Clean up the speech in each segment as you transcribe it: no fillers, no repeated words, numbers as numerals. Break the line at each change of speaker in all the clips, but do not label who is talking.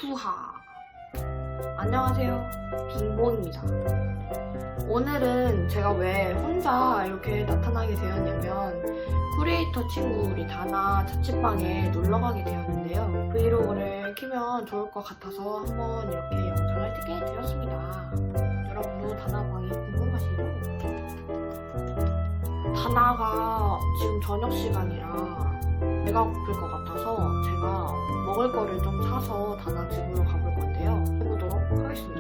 후하. 안녕하세요, 빙봉입니다. 오늘은 제가 왜 혼자 이렇게 나타나게 되었냐면 크리에이터 친구들이 다나 자취방에 놀러가게 되었는데요. 브이로그를 키면 좋을 것 같아서 한번 이렇게 영상을 찍게 되었습니다. 여러분도 다나 방이 궁금하시죠? 다나가 지금 저녁 시간이라 배가 고플 것 같아서 제가 먹을 거를 좀 사서 다나 집으로 가볼 건데요. 해보도록 하겠습니다.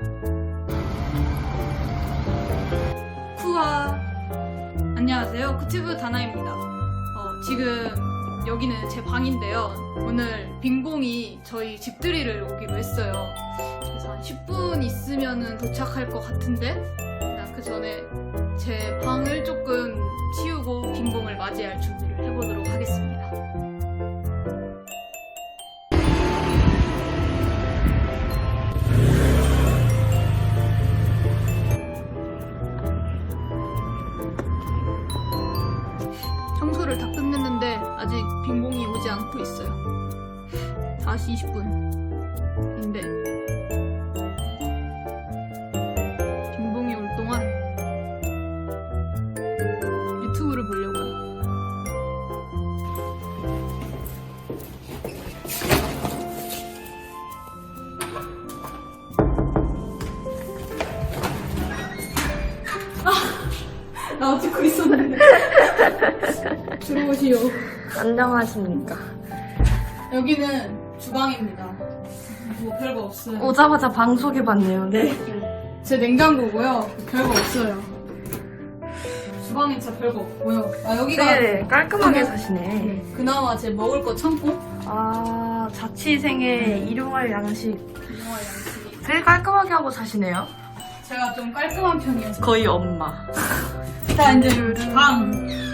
후아 안녕하세요, 쿠튜브 다나입니다. 지금 여기는 제 방인데요. 오늘 빙봉이 저희 집들이를 오기로 했어요. 그래서 한 10분 있으면 도착할 것 같은데 일단 그 전에 제 방을 조금 치우고 빙봉을 맞이할 준비를 해보도록 하겠습니다. 청소를 다 끝냈는데 아직 빙봉이 오지 않고 있어요. 4시 20분인데 빙봉이 올 동안 유튜브를 보려고요. 나 찍고 있었는데. 들어오시오.
안녕하십니까.
여기는 주방입니다. 뭐 별거 없어요.
오자마자 방 소개받네요. 네.
제 냉장고고요. 별거 없어요. 주방엔 진짜 별거 없고요. 아 여기가
네, 깔끔하게
그냥-
사시네.
그나마 제 먹을 거 참고
아, 자취생의 일용할 양식.
유용한 양식이.
되게 깔끔하게 하고 사시네요.
제가 좀 깔끔한 편이어서.
거의 엄마.
자 이제 방.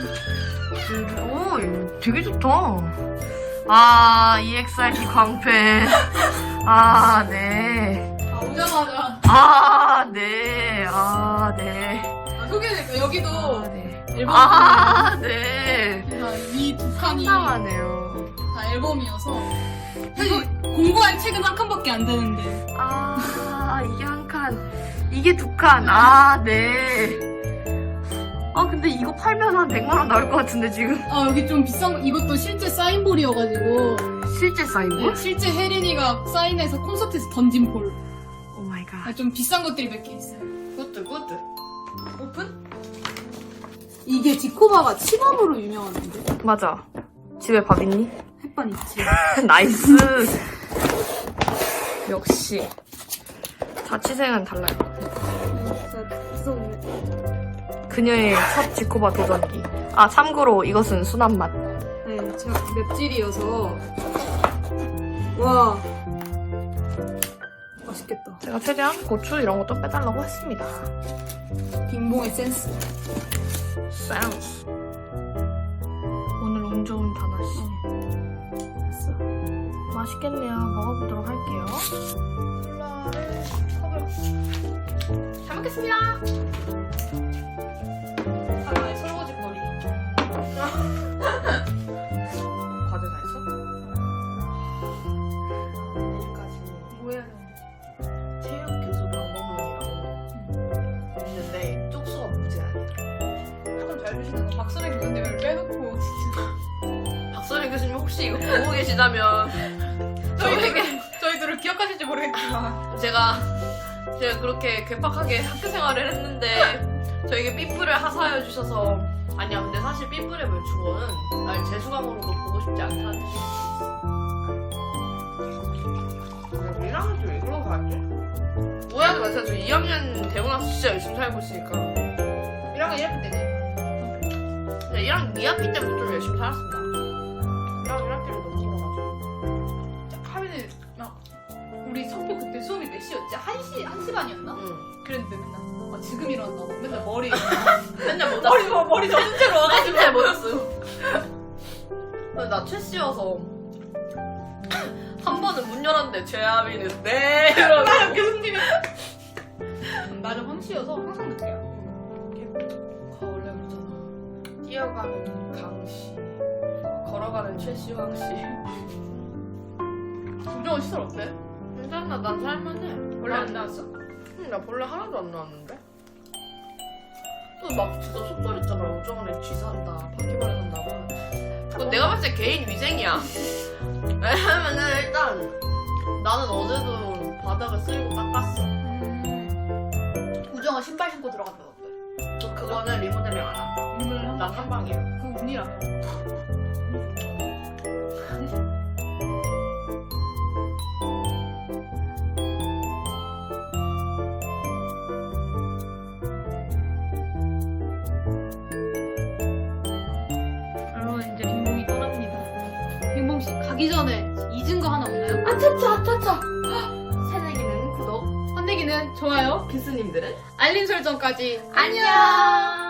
오, 이거 되게 좋다. 아, EXID 광팬. 아, 네.
아 오자마자
아, 네. 아, 네.
소개해드릴게요. 여기도
아, 네.
앨범.
아, 네.
이 두 칸이
상당하네요.
다 앨범이어서 사실 공부할 책은 한 칸밖에 안 되는데.
아, 이게 한 칸. 이게 두 칸. 아, 네. 아, 근데 이거 팔면 한 100만원 나올 것 같은데, 지금.
아 여기 좀 비싼 거. 이것도 실제 사인볼이어가지고.
실제 사인볼?
실제 혜린이가 사인해서 콘서트에서 던진 볼.
오 마이 갓.
좀 비싼 것들이 몇 개 있어요.
굿드, 굿드.
오픈? 이게 지코바가 치밥으로 유명한데?
맞아. 집에 밥 있니?
햇반 있지.
나이스. 역시. 자취생은 달라요.
진짜 무서운데.
그녀의 첫 지코바 도전기. 아, 참고로 이것은 순한 맛.
네, 제가 맵찔이어서. 와. 맛있겠다.
제가 최대한 고추 이런 것도 빼달라고 했습니다.
빙봉의 센스.
센스. 오늘 운 좋은 다나씨.
됐어.
맛있겠네요. 먹어보도록 할게요. 콜라를 컵을. 잘 먹겠습니다.
하나의 설거지거리.
과제 다 했어? 내일까지
뭐 해야 되는데?
체육 교수 방법론이라고 있는데 쪽수가 문제가 아니야.
조금 잘 드시는 거. 박선혜 교수님을 빼놓고 진짜.
박선희 교수님 혹시 이거 보고 계시다면
저희들을 기억하실지 모르겠지만.
제가 그렇게 괴팍하게 학교 생활을 했는데 저에게 삐뿔을 하사해 주셔서 아니야, 근데 사실 삐뿔의 주어는 날 재수강으로도 보고 싶지 않다는 뜻이 있어. 1학년 때 왜 그러고 갔지? 오해하지 마세요. 저 2학년 되고 나서 진짜 열심히 살고 있으니까.
1학년 1학기 때네.
근데 1학년 2학기 때부터 좀 열심히 살았습니다. 1학년 1학기를 너무 힘들어가지고.
하면은 막 우리 성표 그때 수업이 몇 시였지? 1시 반이었나?
응.
그랬는데 맨날 지금 일어난다고 맨날 머리
맨날 못 왔어.
머리 젖은 채로 와가지고
맨날 못 왔어요. 근데 나 최씨여서 한 번은 문 열었는데 죄아비는 네 이러고
나는 교수님이 나는 황씨여서 항상 늦게 와.
원래 그러잖아. 뛰어가는 강씨, 걸어가는 최씨 황씨.
김정은 시설 어때?
괜찮아, 난 살만해.
원래 안 나왔어?
나 원래 하나도 안 나왔는데? 또 막 진짜 속설있잖아. 우정원에 쥐 산다, 바퀴벌레 산다고. 그건 내가 봤을 때 개인 위생이야. 왜냐면은 일단 나는 어제도 바닥을 쓸고 닦았어.
우정아 신발 신고 들어간다던데.
그거는 리모델링 안 한다.
이걸 한
난 한방이야.
그 운이라며. 여러분 이제 빙봉이 떠납니다. 빙봉 씨 가기 전에 잊은 거 하나 없나요?
아차차. 새내기는 구독,
선대기는 좋아요,
교수님들은
알림 설정까지.
안녕.